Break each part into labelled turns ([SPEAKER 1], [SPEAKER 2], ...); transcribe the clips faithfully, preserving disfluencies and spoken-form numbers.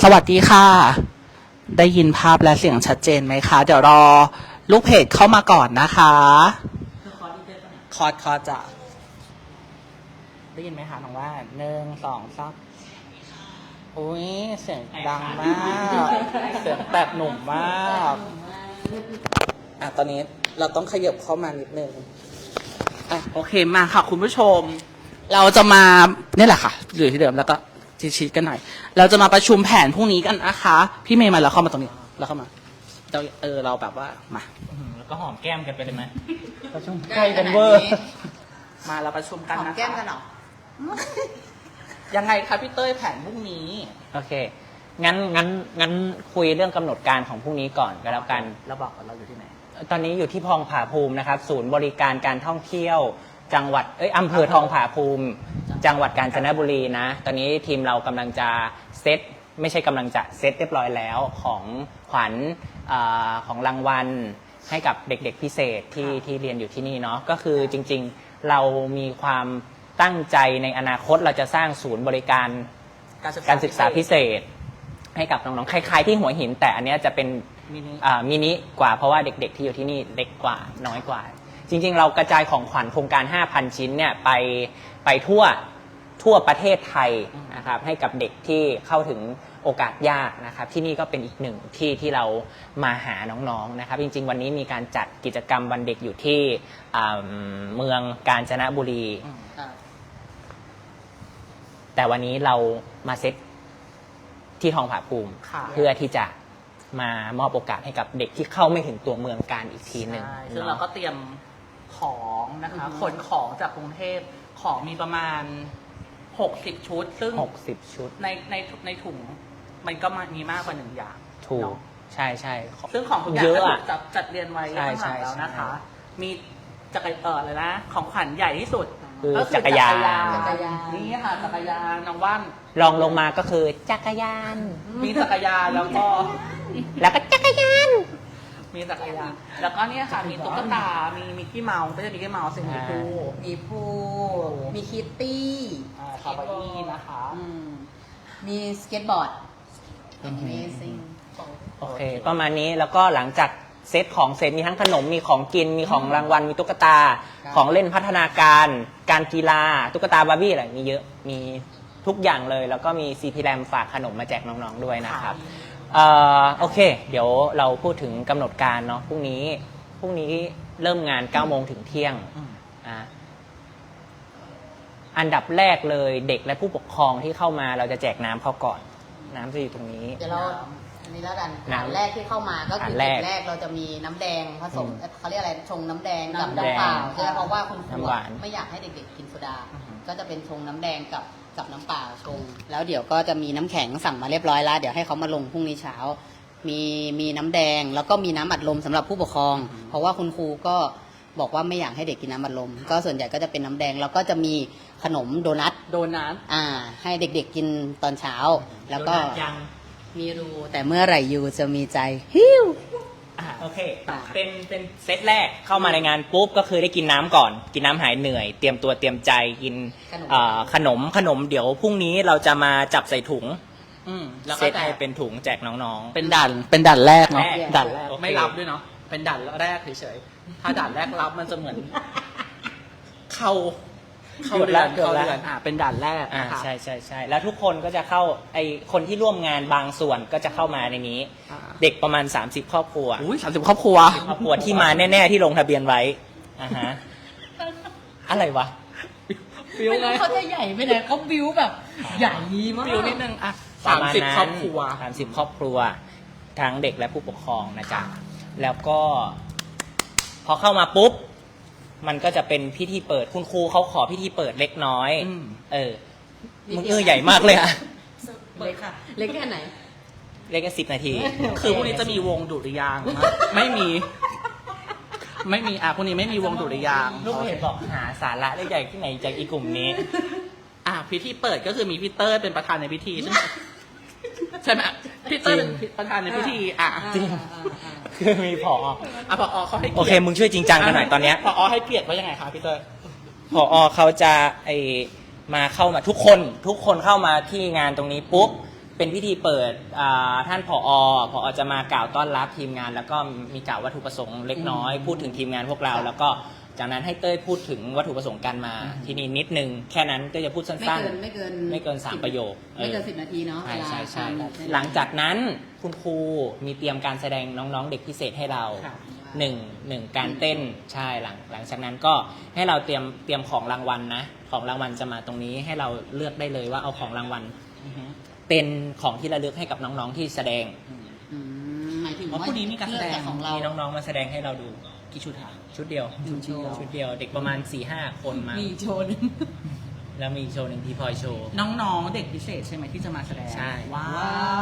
[SPEAKER 1] วัสดีค่ะได้ยินภาพและเสียงชัดเจนไหมคะเดี๋ยวรอลูกเพจเข้ามาก่อนนะคะคอร์ดคอร์ดจะได้ยินไหมคะน้องว่าหนึ่งสองสามอุ้ยเสียงดังมากเสียงแบบหนุ่มมากอ่ะตอนนี้เราต้องขยับเข้ามานิดนึงอ่ะโอเคมาค่ะคุณผู้ชมเราจะมาเนี่ยแหละค่ะอยู่ที่เดิมแล้วก็ชี้ๆกันหน่อยเราจะมาประชุมแผนพรุ่งนี้กันนะคะพี่เมย์มาแล้วเข้ามาตรงนี้แล้วเข้ามาเราเออเราแบบว่ามา
[SPEAKER 2] แล้วก็หอมแก้มกันไปเลยไหม
[SPEAKER 1] ประชุมใกล้กันเวอร์มาเราประชุมกันนะคะหอมแก้มกันหรอยังไงคะพี่เต้ยแผนพรุ่งนี้
[SPEAKER 2] โอเคงั้นงั้นงั้นคุยเรื่องกำหนดการของพรุ่งนี้ก่อนก็แล้วกัน
[SPEAKER 1] เราบอกว่าเราอยู่ที่ไหน
[SPEAKER 2] ตอนนี้อยู่ที่ทองผาภูมินะครับศูนย์บริการการท่องเที่ยวจังหวัดเอ้ยอำเภอทองผาภูมิจังหวัดกาญจนบุรีนะตอนนี้ทีมเรากำลังจะเซตไม่ใช่กำลังจะเซตเรียบร้อยแล้วของขวัญของรางวัลให้กับเด็กๆพิเศษที่ที่เรียนอยู่ที่นี่เนาะก็คือจริงๆเรามีความตั้งใจในอนาคตเราจะสร้างศูนย์บริการการศึกษาพิเศษให้กับน้องๆคล้ายๆที่หัวหินแต่อันนี้จะเป็นมินิกว่าเพราะว่าเด็กๆที่อยู่ที่นี่เล็กกว่าน้อยกว่าจริงๆเรากระจายของขวัญโครงการ ห้าพัน ชิ้นเนี่ยไปไปทั่วทั่วประเทศไทยนะครับให้กับเด็กที่เข้าถึงโอกาสยากนะครับที่นี่ก็เป็นอีกหนึ่งที่ที่เรามาหาน้องๆนะครับจริงๆวันนี้มีการจัดกิจกรรมวันเด็กอยู่ที่เมืองกาญจนบุรีแต่วันนี้เรามาเซตที่ทองผาภูมิเพื่อที่จะมามอบโอกาสให้กับเด็กที่เข้าไม่ถึงตัวเมืองการอีกทีหนึ่ง
[SPEAKER 1] ซึ่งเราก็เตรียมของนะคะขนของจากกรุงเทพของมีประมาณหกสิบชุดซึ่ง
[SPEAKER 2] หกสิบชุด
[SPEAKER 1] ในในในถุงมันก็มีมากกว่าหนึ่งอย่าง
[SPEAKER 2] ถูกใช่ใช่
[SPEAKER 1] ซึ่งของทุกอย่างถูกจัดจัดเรียนไว้ข้างหลังแล้วนะคะมีจักรเออเลยนะของขวัญใหญ่ที่สุด
[SPEAKER 2] คือจักรยาน
[SPEAKER 1] นี่ค่ะจักรยานน้องว่าน
[SPEAKER 2] ลองลงมาก็คือจักรยาน
[SPEAKER 1] มีจักรยานแล้วก็
[SPEAKER 2] แล้วก็จักรยาน
[SPEAKER 1] มีจักรยานแล้วก็เนี่ยค่ะมีตุ๊กตามีมีขี้เมาไม่ใช่มีขี้เมาสิมีพู
[SPEAKER 3] มีพูมีคิตตี้
[SPEAKER 1] คาบาอี้นะคะ
[SPEAKER 3] มีสเก็ตบอร์ด Amazing
[SPEAKER 2] โอเคประมาณนี้แล้วก็หลังจากเซตของเซตมีทั้งขนมมีของกินมีของรางวัลมีตุ๊กตาของเล่นพัฒนาการการกีฬาตุ๊กตาบาร์บี้อะไรมีเยอะมีทุกอย่างเลยแล้วก็มีซีพีแรมฝากขนมมาแจกน้องๆด้วยนะครับเอ่อโอเคเดี๋ยวเราพูดถึงกำหนดการเนาะพรุ่งนี้พรุ่งนี้เริ่มงานเก้าโมงถึงเที่ยงอ่าอันดับแรกเลยเด็กและผู้ปกครองที่เข้ามาเราจะแจกน้ำเขาก่อนน้ำจะอยู่ตรงนี้
[SPEAKER 3] เดี๋ยวเราอันนี้แล้วกันน้ำแรกที่เข้ามาก็คือจุดแรกเราจะมีน้ำแดงผสมเขาเรียกอะไรชงน้ำแดงกับน้ำเปล่าใช่ไหมเพราะว่าคุณครูไม่อยากให้เด็กๆกินโซดาก็จะเป็นชงน้ำแดงกับกับน้ำเปล่าชงแล้วเดี๋ยวก็จะมีน้ำแข็งสั่งมาเรียบร้อยแล้วเดี๋ยวให้เขามาลงพรุ่งนี้เช้ามีมีน้ำแดงแล้วก็มีน้ำอัดลมสำหรับผู้ปกครองเพราะว่าคุณครูก็บอกว่าไม่อยากให้เด็กกินน้ำอัดลมก็ส่วนใหญ่ก็จะเป็นน้ำแดงแล้วก็จะมีขนมโดนัท
[SPEAKER 1] โดนัท
[SPEAKER 3] อ่าให้เด็กๆกินตอนเช้าแล้วก็มีรูแต่เมื่อไหร่ยูจะมีใจฮิว
[SPEAKER 2] โอเคเป็นเป็นเซตแรกเข้ามาในงานปุ๊บก็คือได้กินน้ำก่อนกินน้ำหายเหนื่อยเตรียมตัวเตรียมใจกินขนมขนมเดี๋ยวพรุ่งนี้เราจะมาจับใส่ถุงเซตให้เป็นถุงแจกน้องๆ
[SPEAKER 1] เป็นด่านเป็นด่านแรกเนาะด่านแรกไม่รับด้วยเนาะเป็นด่านแรกเฉยๆถ้าด่านแรกรับมันจะเหมือนเข้าเข้าเดือนเข้าเดือนอ่าเป็นด่านแรก
[SPEAKER 2] อ่าใช่ใช่ใช่แล้วทุกคนก็จะเข้าไอคนที่ร่วมงานบางส่วนก็จะเข้ามาในนี้เด็กประมาณสามสิบครอบครัว
[SPEAKER 1] อุ้ยสามสิบครอบครัว
[SPEAKER 2] ครอบครัวที่มาแน่ๆที่ลงทะเบียนไว้อ่าฮะอะไรวะ
[SPEAKER 3] บิวไงเขาจะใหญ่ไปไหนเขาบิวแบบใหญ่มาก
[SPEAKER 1] บิวนิดนึงอ่ะสามสิบครอบครัว
[SPEAKER 2] สามสิบครอบครัวทั้งเด็กและผู้ปกครองนะจ๊ะแล้วก็พอเข้ามาปุ๊บมันก็จะเป็นพิธีเปิดคุณครูเขาขอพิธีเปิดเล็กน้อยเออมึงเออใหญ่มากเลยอะ
[SPEAKER 3] เล็กค่ะเล็กแค่ไหน
[SPEAKER 2] เล็กแค่สิบนาที
[SPEAKER 1] คือพวกนี้จะมีวงดุริยางไม่มีไม่มีอ่ะพวกนี้ไม่มีวงดุริยาง
[SPEAKER 2] ลูกเห็นบอกหาสาระได้ใหญ่ที่ไหนจากอีกลุ่มนี้
[SPEAKER 1] อ่ะพิธีเปิดก็คือมีพี่เต้ยเป็นประธานในพิธีใช่ไหมใช่ไหมพี่เต้ยเป็นประธานในพิธีอ่ะ
[SPEAKER 2] จริงคือมีผอ
[SPEAKER 1] อ่ะผอเขาให้
[SPEAKER 2] โอเคมึงช่วยจริงจังกันหน่อยตอนเนี้ย
[SPEAKER 1] ผอให้เกียรติว่ายังไงคะพี่เต้ย
[SPEAKER 2] ผอเขาจะไอมาเข้ามาทุกคนทุกคนเข้ามาที่งานตรงนี้ปุ๊บเป็นพิธีเปิดอ่าท่านผอผอจะมากล่าวต้อนรับทีมงาน แล้วก็มีกล่าววัตถุประสงค์เล็กน้อย พูดถึงทีมงานพวกเรา แล้วก็จากนั้นให้เต้ยพูดถึงวัตถุประสงค์การมาที่นี่นิดนึงแค่นั้นก็จะพูด
[SPEAKER 3] ไม่
[SPEAKER 2] สั้น
[SPEAKER 3] เกินไม่เกิน
[SPEAKER 2] ๆไม่เกินสามประโยค
[SPEAKER 3] ไม่เกิน
[SPEAKER 2] ออ
[SPEAKER 3] สิบนาทีเนาะ
[SPEAKER 2] ใช่ใช่ใช่
[SPEAKER 3] เวลาทำ
[SPEAKER 2] หลังจากนั้นคุณครูมีเตรียมการแสดงน้องๆ เด็กพิเศษให้เรา
[SPEAKER 1] ค่ะ
[SPEAKER 2] หนึ่งหนึ่งการเต้นใช่หลังหลังจากนั้นก็ให้เราเตรียมเตรียมของรางวัลนะของรางวัลจะมาตรงนี้ให้เราเลือกได้เลยว่าเอาของรางวัล
[SPEAKER 1] อือฮึ
[SPEAKER 2] เป็นของที่ระลึกให้กับน้องๆที่แสดง
[SPEAKER 3] อืมหมายถึง
[SPEAKER 1] อ๋อ
[SPEAKER 3] ว่า
[SPEAKER 1] พรุ่งนี้มีการแสดง
[SPEAKER 3] เลือของเรา
[SPEAKER 2] มีน้องๆมาแสดงให้เราดู
[SPEAKER 1] กี่ชุดคะ
[SPEAKER 2] ชุดเดียว
[SPEAKER 1] ชุดเดียว
[SPEAKER 2] ชุดเดียวเด็กประมาณ4ี่ห้าคนมา
[SPEAKER 3] มีโชว์หนึง
[SPEAKER 2] แล้วมีอีกโชว์หนึ่งที่พลอยโชว์
[SPEAKER 1] น้องๆเด็กพิเศษใช่ไหมที่จะมาแสดง
[SPEAKER 2] ใช่
[SPEAKER 1] ว้าว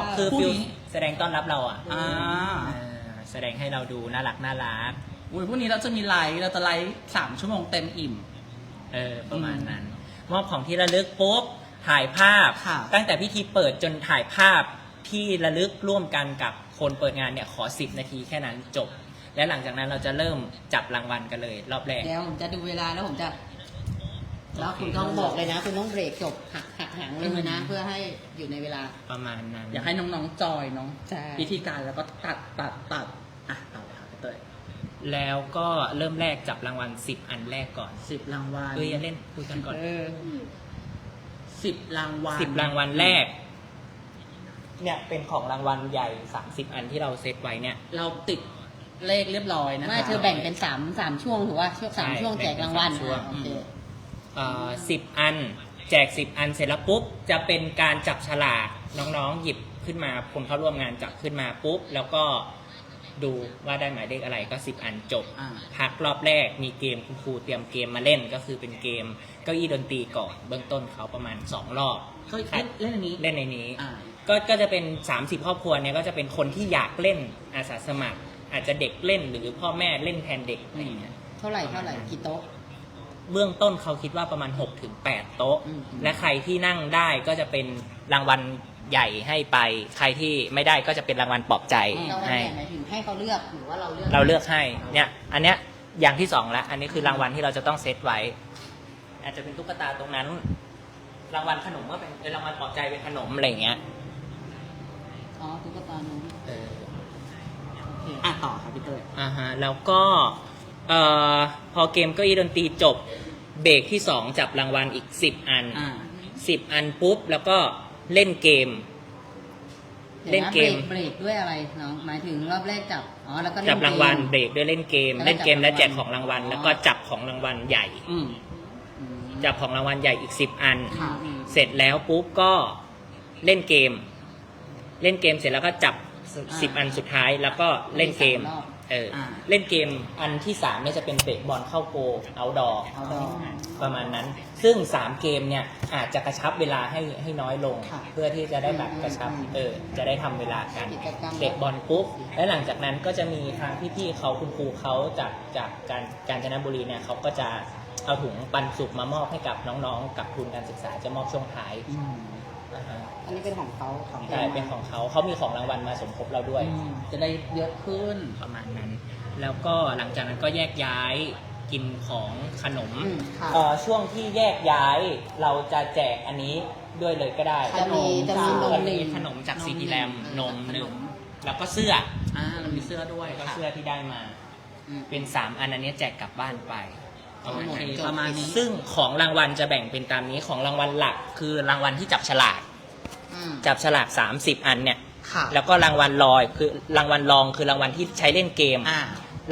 [SPEAKER 2] คือ
[SPEAKER 1] พรุ่ง
[SPEAKER 2] ฟิล
[SPEAKER 1] นี้
[SPEAKER 2] แสดงต้อนรับเราอ่ะ
[SPEAKER 1] อ่า
[SPEAKER 2] อ่าแสดงให้เราดูน่ารักน่ารัก
[SPEAKER 1] อุ้ยพรุ่งนี้เราจะมีไลฟ์เราจะไลฟ์สามชั่วโมงเต็มอิ่ม
[SPEAKER 2] เออประมาณนั้น มอบของที่ระลึกปุ๊บถ่ายภาพ
[SPEAKER 1] ค่ะ
[SPEAKER 2] ตั้งแต่พิธีเปิดจนถ่ายภาพที่ระลึกร่วมกันกับคนเปิดงานเนี่ยขอสิบนาทีแค่นั้นจบ และหลังจากนั้นเราจะเริ่มจับรางวัลกันเลย รอบแรก
[SPEAKER 3] เดี๋ยวผมจะดูเวลาแล้วผมจะ แล้ว
[SPEAKER 2] โอเค
[SPEAKER 3] คุณต้องบอกเลยนะ คุณต้องเบรกจบหักหักหางเลยนะ เพื่อให้อยู่ในเวลา
[SPEAKER 2] ประมาณนั้น
[SPEAKER 1] อยากให้น้องๆจอยเน้อง
[SPEAKER 3] ใช่
[SPEAKER 1] วิธีการแล้วก็ตัดตัดตัดอ่ะต่อเลยค่ะพี่เตย
[SPEAKER 2] แล้วก็เริ่มแรกจับรางวัลสิบอันแรกก่อน
[SPEAKER 1] สิบรางวัล
[SPEAKER 2] เอ้ยอย่าเล่นคุยกันก่อน
[SPEAKER 3] เออ
[SPEAKER 1] สิบรางวัล
[SPEAKER 2] สิบรางวัลแรก เนี่ยเป็นของรางวัลใหญ่สามสิบอันที่เราเซตไว้เนี่ย
[SPEAKER 1] เราติดเลขเรียบร้อยนะคะ
[SPEAKER 3] ไม่เธอแบ่งเป็นสามสามช่วงถือว่าช่วงสาม
[SPEAKER 2] ใช่
[SPEAKER 3] ช่วงแจกรางวัล
[SPEAKER 2] แบ่งเป็นสามช่วง
[SPEAKER 3] อ่ะโอเค
[SPEAKER 2] สิบอัน แจกสิบอันเสร็จแล้วปุ๊บจะเป็นการจับฉลากน้องๆหยิบขึ้นมาคนเข้าร่วมงานจับขึ้นมาปุ๊บแล้วก็ดูว่าได้หมายเลขอะไรก็สิบอันจบ
[SPEAKER 1] อ่า
[SPEAKER 2] พักรอบแรกมีเกมคุณครูเตรียมเกมมาเล่นก็คือเป็นเกมเก้าอี้ดนตรีก่อนเบื้องต้นเขาประมาณสองรอบ
[SPEAKER 1] ก็เล่นเล่นอันนี้
[SPEAKER 2] เล่นในนี้
[SPEAKER 1] อ่า
[SPEAKER 2] ก็ก็จะเป็นสามสิบครอบครัวเนี่ยก็จะเป็นคนที่อยากเล่นอาสาสมัคร อาจจะเด็กเล่นหรือพ่อแม่เล่นแทนเด็กอะไรอย่างเงี้ย
[SPEAKER 3] เท่าไหร่เท่าไหร่กี่โต๊ะ
[SPEAKER 2] เบื้องต้นเขาคิดว่าประมาณหกถึงแปดโต๊ะ
[SPEAKER 3] อืม
[SPEAKER 2] และใครที่นั่งได้ก็จะเป็นรางวัลใหญ่ให้ไป ใครที่ไม่ได้ก็จะเป็นรางวัลปลอบใจ
[SPEAKER 3] เรา
[SPEAKER 2] ให้
[SPEAKER 3] แบ่งหมายถึงให้เขาเลือกหรือว่าเราเลือก
[SPEAKER 2] เราเลือกให้เนี่ยอันเนี้ยอย่างที่สองแล้วอันนี้คือรางวัลที่เราจะต้องเซตไว้ อาจจะเป็นตุ๊กตาตรงนั้น รางวัลขนมก็เป็นเออรางวัลปลอบใจเป็นขนมอะไรอย่างเงี้ย
[SPEAKER 3] อ๋อตุ๊กตาหนู
[SPEAKER 2] เออ
[SPEAKER 3] โอเค
[SPEAKER 1] อ่ะต่อครับพี่เตย
[SPEAKER 2] อ่าฮะแล้วก็เอ่อพอเกมเก้าอี้ดนตรีจบเบรกที่สองจับรางวัลอีกสิบอัน
[SPEAKER 1] อ่า
[SPEAKER 2] สิบอันปุ๊บแล้วก็เล่นเกม เล่นเกม
[SPEAKER 3] เบรกด้วยอะไรน้องหมายถึงรอบแรกจับอ๋อแล้วก็เล่น
[SPEAKER 2] จับรางวัล
[SPEAKER 3] เกม
[SPEAKER 2] เบรกด้วยเล่นเกม
[SPEAKER 3] แล้วก็
[SPEAKER 2] เล่นเกม
[SPEAKER 3] จับ
[SPEAKER 2] และแจก
[SPEAKER 3] รางวัล
[SPEAKER 2] ของรางวัล
[SPEAKER 3] อ๋อ
[SPEAKER 2] แล้วก็จับของรางวัลใหญ่
[SPEAKER 1] อืม
[SPEAKER 3] อืม
[SPEAKER 2] จับของรางวัลใหญ่อีกสิบอัน
[SPEAKER 1] ค่ะ
[SPEAKER 3] อืม
[SPEAKER 2] เสร็จแล้วปุ๊บก็เล่นเกม เล่นเกมเสร็จแล้วก็จับสิบอันสุดท้ายแล้วก็เล่นเกม
[SPEAKER 3] สามรอบ
[SPEAKER 2] เอออา เล่นเกมอันที่สามเนี่ยจะเป็นเตะบอลเข้าโกเอาดอ
[SPEAKER 3] เอาดอก
[SPEAKER 2] ประมาณนั้น ซึ่งสามเกมเนี่ยอาจจะกระชับเวลาให้ให้น้อยลง
[SPEAKER 1] ค่ะ
[SPEAKER 2] เพื่อที่จะได้แบบกระชับเออจะได้ทำเวลากัน
[SPEAKER 3] กิจกรรม
[SPEAKER 2] เตะบอลปุ๊บแล้วหลังจากนั้นก็จะมีทางพี่ๆเขาคุณครูเขาจากจากการกาญจนบุรีเนี่ยเขาก็จะเอาถุงปันสุกมามอบให้กับน้องๆ กับทุนการศึกษาจะมอบช่วงท้าย
[SPEAKER 1] อืม
[SPEAKER 2] นะฮะ
[SPEAKER 3] อันนี้เป็นของเขาของ
[SPEAKER 2] ใช่เป็นของเขาเขามีของรางวัลมาสมทบเราด้วย
[SPEAKER 1] อืมจะได้เยอะขึ้น
[SPEAKER 2] ประมาณนั้น แล้วก็หลังจากนั้นก็แยกย้ายกินของขนม
[SPEAKER 3] อืมค่ะ
[SPEAKER 2] เอ่อช่วงที่แยกย้ายเราจะแจกอันนี้ด้วยเลยก็ได้
[SPEAKER 3] จะมีจะมีนม
[SPEAKER 2] จะ
[SPEAKER 3] หนึ่
[SPEAKER 2] มี
[SPEAKER 3] ง
[SPEAKER 2] ขนมจาก
[SPEAKER 1] นม
[SPEAKER 2] ซีทีแรม
[SPEAKER 1] หนึ่
[SPEAKER 2] น
[SPEAKER 1] ง
[SPEAKER 2] ม
[SPEAKER 1] ขนม
[SPEAKER 2] หนึ่งแล้วก็เสื้อ
[SPEAKER 1] อ่าเรามีเสื้อด้วย
[SPEAKER 2] ก็
[SPEAKER 1] ค่ะ
[SPEAKER 2] เสื้อที่ได้มา
[SPEAKER 3] อืม
[SPEAKER 2] เป็นสามอันอันนี้แจกกลับบ้านไปประมาณ
[SPEAKER 1] โอเค
[SPEAKER 2] นั้น
[SPEAKER 1] ประมาณนี้
[SPEAKER 2] ซึ่งของรางวัลจะแบ่งเป็นตามนี้ของรางวัลหลักคือรางวัลที่จับฉลาก
[SPEAKER 3] อืม
[SPEAKER 2] จับฉลากสามสิบอันเนี่ย
[SPEAKER 1] ค่ะ
[SPEAKER 2] แล้วก็รางวัลลอยคือรางวัลรองคือรางวัลที่ใช้เล่นเกม
[SPEAKER 1] อ่าร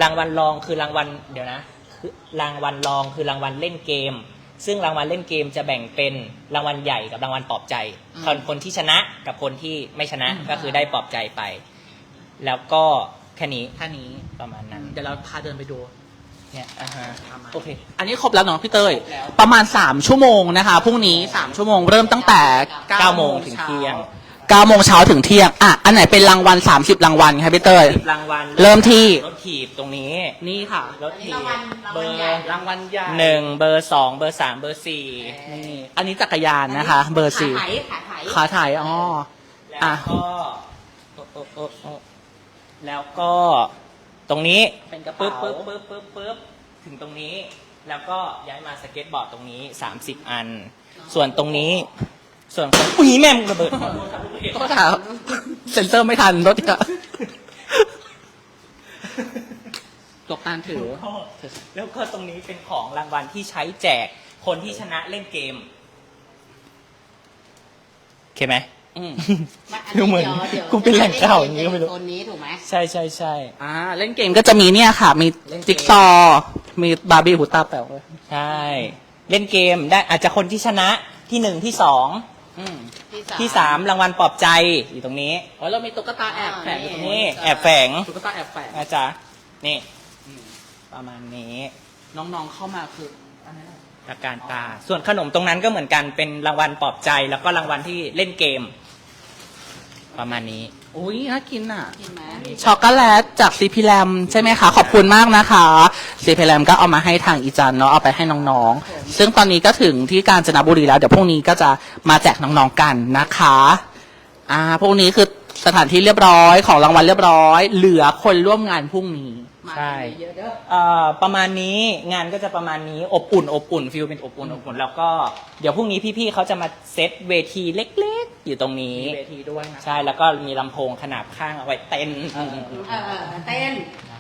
[SPEAKER 2] างวัลรองคือรางวัลเดี๋ยวนะคือรางวัลรองคือรางวัลเล่นเกม ซึ่งรางวัลเล่นเกมจะแบ่งเป็นรางวัลใหญ่กับรางวัลปลอบใจคนคนที่ชนะกับคนที่ไม่ชนะก็คือได้ปลอบใจไป แล้วก็แค่นี้
[SPEAKER 1] แค่นี้
[SPEAKER 2] ประมาณนั้น
[SPEAKER 1] เดี๋ยวเราพาเดินไปดู
[SPEAKER 2] เนี่ยอ่าฮะ
[SPEAKER 1] ประมาณ
[SPEAKER 2] โอเค
[SPEAKER 1] อันนี้ครบแล้วเนาะพี่เตย
[SPEAKER 2] แล้ว
[SPEAKER 1] ประมาณสามชั่วโมงนะคะพรุ่งนี้สามชั่วโมงเริ่มตั้งแต่
[SPEAKER 2] เก้าโมงถึงเที่ยง
[SPEAKER 1] เก้าโมงเช้าถึงเที่ยงอ่ะอันไหนเป็นรางวัลสามสิบรางวัลครับพี่เตย
[SPEAKER 2] รางวัล
[SPEAKER 1] เริ่มที่
[SPEAKER 2] รถถีบตรงนี้
[SPEAKER 1] นี่ค่ะ
[SPEAKER 2] รถถีบ
[SPEAKER 3] รางวัลราง
[SPEAKER 2] เบ
[SPEAKER 3] วั
[SPEAKER 2] อ
[SPEAKER 3] ล
[SPEAKER 2] ร์
[SPEAKER 3] ใหญ่
[SPEAKER 1] รางวัลใหญ่
[SPEAKER 2] หนึ่งเบอร์สองเบอร์สามเบอร์สี่
[SPEAKER 1] นี่อันนี้จักรยานนะคะ เบอร์สี่
[SPEAKER 3] ขาไถขาไถ
[SPEAKER 1] ขาถ่ายอ๋อ
[SPEAKER 2] แล้ว
[SPEAKER 1] อ่ะ
[SPEAKER 2] ก็โอ๊ะโอ๊ะโอ๊ะโอ๊ะแล้วก็ตรงนี้
[SPEAKER 1] เป็นกระเป๋า
[SPEAKER 2] ปึ๊บปึ๊บปึ๊บปึ๊บปึ๊บถึงตรงนี้ แล้วก็ย้ายมาสเก็ตบอร์ดตรงนี้สามสิบอัน ส่วนตรงนี้ ส่วนของอุ้ยแม่มงระเบิดขอโทษครับลูก
[SPEAKER 1] โทษครับเซ็นเซอร์ไม่ทันรถเนี่ยตกตานถือ
[SPEAKER 2] แล้วก็ตรงนี้เป็นของรางวัลที่ใช้แจกคนที่ชนะเล่นเกมโอเคไหม
[SPEAKER 1] อืม
[SPEAKER 2] ดูเหมือน
[SPEAKER 3] ดี๋ยว
[SPEAKER 2] กูเป็นแหล่งข่าวอย่างนี้ก็ไม่รู้
[SPEAKER 3] โซนนี้ถูกไหม
[SPEAKER 2] ใช่ใช่ใช่
[SPEAKER 1] อ่าเล่นเกมก็จะมีเนี่ยค่ะ มี
[SPEAKER 2] เล่นเกม
[SPEAKER 1] จิ๊กซอว์มีบาร์บี้หูตาแป๋วเลย
[SPEAKER 2] ใช่ เล่นเกมได้อาจจะคนที่ชนะที่หนึ่งที่สอง
[SPEAKER 1] อืม
[SPEAKER 2] ที่สามรางวัลปลอบใจอยู่ตรงนี้
[SPEAKER 1] อ๋อเรามีตุ๊กตาแอบแฝงอยู่ตรง
[SPEAKER 2] นี่
[SPEAKER 1] นี้
[SPEAKER 2] แอบแฝง
[SPEAKER 1] ตุ๊กตาแอบแฝง
[SPEAKER 2] นะจ๊ะนี่
[SPEAKER 1] อืม
[SPEAKER 2] ประมาณนี้
[SPEAKER 1] น้องๆเข้ามาคืออันนั้นอะ
[SPEAKER 2] ตะการตา ส่วนขนมตรงนั้นก็เหมือนกันเป็นรางวัลปลอบใจ แล้วก็รางวัลที่เล่นเกม ประมาณนี้
[SPEAKER 1] อุ้ยน่ากินอ่ะ
[SPEAKER 3] กินไหม
[SPEAKER 1] ช็อกโกแลตจากซีพีแรมใช่ไหมคะ ขอบคุณมากนะคะซีพีแรมก็เอามาให้ทางอีจันเนาะเอาไปให้น้องๆ ซึ่งตอนนี้ก็ถึงที่กาญจนบุรีแล้ว เดี๋ยวพรุ่งนี้ก็จะมาแจกน้องๆกันนะคะอ่าพรุ่งนี้คือสถานที่เรียบร้อยของรางวัลเรียบร้อย เหลือคนร่วมงานพรุ่งนี้
[SPEAKER 3] มา
[SPEAKER 2] ใช่
[SPEAKER 3] เยอะๆเด้อ
[SPEAKER 2] เอ่อประมาณนี้งานก็จะประมาณนี้อบอุ่นอบอุ่นฟิลเป็นอบอุ่นอบอุ่นแล้วก็เดี๋ยวพรุ่งนี้พี่ๆเขาจะมาเซตเวทีเล็กๆ อยู่ตรงนี้
[SPEAKER 1] มีเวทีด้วยนะ
[SPEAKER 2] ใช่แล้วก็มีลำโพงขนาบข้างเอาไว้เต้น
[SPEAKER 3] เออเออเต้น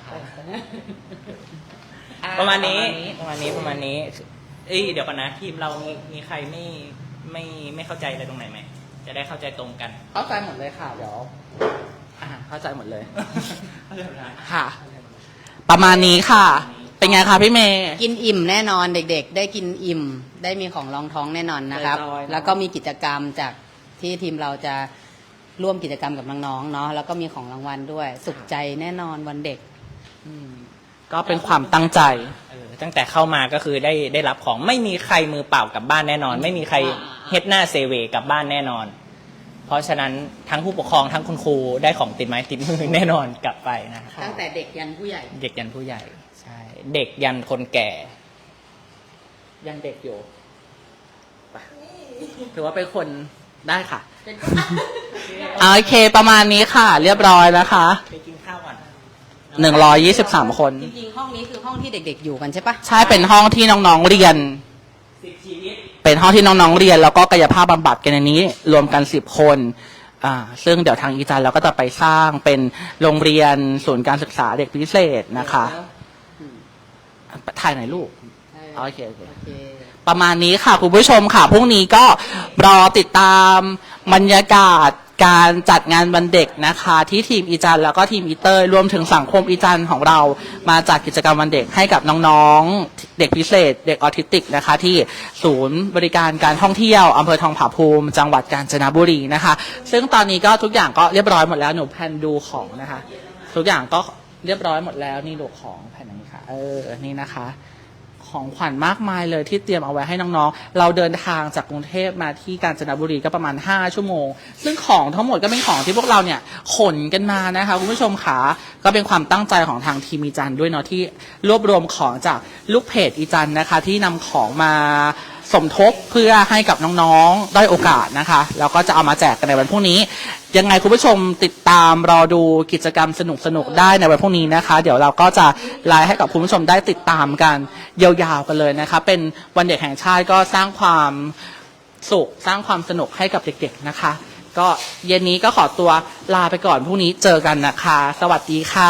[SPEAKER 1] อ่
[SPEAKER 2] ประมาณนี้ประมาณนี้ประมาณนี้เอ้ยเดี๋ยวก่อนนะทีมเรามีมีใครไม่ไม่ไม่เข้าใจอะไรตรงไหนไหมจะได้เข้าใจตรงกัน
[SPEAKER 1] เข้าใจหมดเลยค่ะเดี๋ยวอ่าเข้าใจหมดเลยค่ะ ประมาณนี้ค่ะ เป็นไงคะพี่เมย์
[SPEAKER 3] กินอิ่มแน่นอนเด็กๆ ได้กินอิ่ม ได้มีของรองท้องแน่นอนนะครับ
[SPEAKER 1] เรียบร้อยเนอะ
[SPEAKER 3] แล้วก็มีกิจกรรมจากที่ทีมเราจะร่วมกิจกรรมกับน้องๆเนาะแล้วก็มีของรางวัลด้วย สุขใจแน่นอนวันเด็ก
[SPEAKER 1] อืมก็เป็นความตั้งใจ
[SPEAKER 2] เออตั้งแต่เข้ามาก็คือได้ได้รับของไม่มีใครมือเปล่ากลับบ้านแน่นอน ไม่มีใครเฮ็ดหน้าเซเวกลับบ้านแน่นอน เพราะฉะนั้นทั้งผู้ปกครองทั้งคุณครูได้ของติดไม้ติดมือแน่นอนกลับไปนะครับ
[SPEAKER 3] ตั้งแต่เด็กยันผู้ใหญ่
[SPEAKER 2] เด็กยันผู้ใหญ่ใช่เด็กยันคนแก่
[SPEAKER 1] ยังเด็กอยู่ไปถือว่าเป็นคนได้ค่ะ โอเค ประมาณนี้ค่ะ เรียบร้อยนะคะ
[SPEAKER 2] ไปกินข้าวก่อน
[SPEAKER 1] หนึ่งร้อยยี่สิบสามคน
[SPEAKER 3] จริงๆ ห้องนี้คือห้องที่เด็กๆ อยู่กันใช่ปะ
[SPEAKER 1] ใช่เป็นห้องที่น้องๆเรียน
[SPEAKER 2] สิบชีวิต
[SPEAKER 1] เป็นห้องที่น้องๆเรียน แล้วก็กายภาพบำบัดกันในนี้ รวมกันสิบคนอ่าซึ่งเดี๋ยวทางอีจันเราก็จะไปสร้างเป็นโรงเรียนศูนย์การศึกษาเด็กพิเศษนะคะ
[SPEAKER 3] อืม
[SPEAKER 1] ถ่ายไหนอยลูก
[SPEAKER 3] ใช่
[SPEAKER 1] โอเคโอเค
[SPEAKER 3] โอเค
[SPEAKER 1] ประมาณนี้ค่ะคุณผู้ชมค่ะพรุ่งนี้ก็รอติดตามบรรยากาศการจัดงานวันเด็กนะคะ ที่ทีมอีจันแล้วก็ทีมอีเตอร์รวมถึงสังคมอีจันของเรามาจัดกิจกรรมวันเด็กให้กับน้องๆเด็กพิเศษ เด็กออทิสติกนะคะ ที่ศูนย์บริการการท่องเที่ยวอำเภอทองผาภูมิ จังหวัดกาญจนบุรีนะคะ ซึ่งตอนนี้ก็ทุกอย่างก็เรียบร้อยหมดแล้วหนูแพนดูของนะคะ ทุกอย่างก็เรียบร้อยหมดแล้วนี่ดูของแผ่นนี้ค่ะ เออนี่นะคะ ของขวัญมากมายเลยที่เตรียมเอาไว้ให้น้องๆ เราเดินทางจากกรุงเทพมาที่กาญจนบุรีก็ประมาณห้าชั่วโมง ซึ่งของทั้งหมดก็เป็นของที่พวกเราเนี่ยขนกันมานะคะคุณผู้ชมค่ะก็เป็นความตั้งใจของทางทีมอีจันด้วยเนาะที่รวบรวมของจากลูกเพจอีจันนะคะ ที่นำของมาสมทบเพื่อให้กับน้องๆได้โอกาสนะคะแล้วก็จะเอามาแจกกันในวันพรุ่งนี้ยังไงคุณผู้ชมติดตามรอดูกิจกรรมสนุกๆได้ในวันพรุ่งนี้นะคะ เดี๋ยวเราก็จะไลฟ์ให้กับคุณผู้ชมได้ติดตามกันยาวๆกันเลยนะคะเป็นวันเด็กแห่งชาติก็สร้างความสุขสร้างความสนุกให้กับเด็กๆนะคะ ก็เย็นนี้ก็ขอตัวลาไปก่อนพรุ่งนี้เจอกันนะคะ สวัสดีค่ะ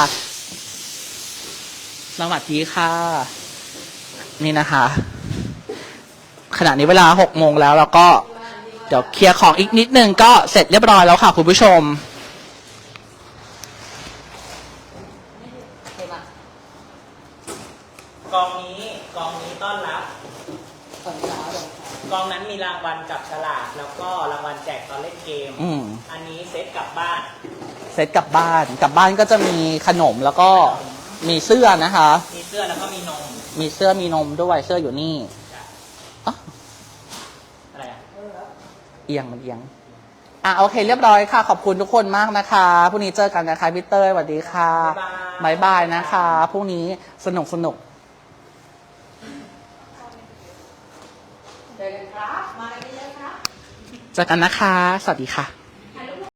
[SPEAKER 1] สวัสดีค่ะนี่นะคะขณะนี้เวลาหกโมงแล้วแล้วก็เดี๋ยวเคลียร์ของอีกนิดนึงก็เสร็จเรียบร้อยแล้วค่ะคุณผู้ชม
[SPEAKER 3] โอเคปะ
[SPEAKER 2] กองนี้กองนี้ต้อนรับ
[SPEAKER 3] ตอนเช้าเลย
[SPEAKER 2] กองนั้นมีรางวัลจับฉลากแล้วก็รางวัลแจกตอนเล่นเกม
[SPEAKER 1] อืม
[SPEAKER 2] อันนี้เซตกลับบ้าน
[SPEAKER 1] เสร็จกลับบ้านกลับบ้านก็จะมีขนมแล้วก็มีเสื้อนะคะ
[SPEAKER 2] มีเสื้อแล้วก็มีนม
[SPEAKER 1] มีเสื้อมีนมด้วยเสื้ออยู่นี่อ๋อ
[SPEAKER 2] อะไรอ่ะ
[SPEAKER 1] เอียงมันเอียงอ่ะโอเคเรียบร้อยค่ะ ขอบคุณทุกคนมากนะคะพรุ่งนี้เจอกันนะคะพี่เต้ยสวัสดีค่ะบายบายนะคะพรุ่งนี้สนุกสนุก
[SPEAKER 3] เจอกันครับ มากันเยอะๆครับ
[SPEAKER 1] เจอกันนะคะ สวัสดีค่ะ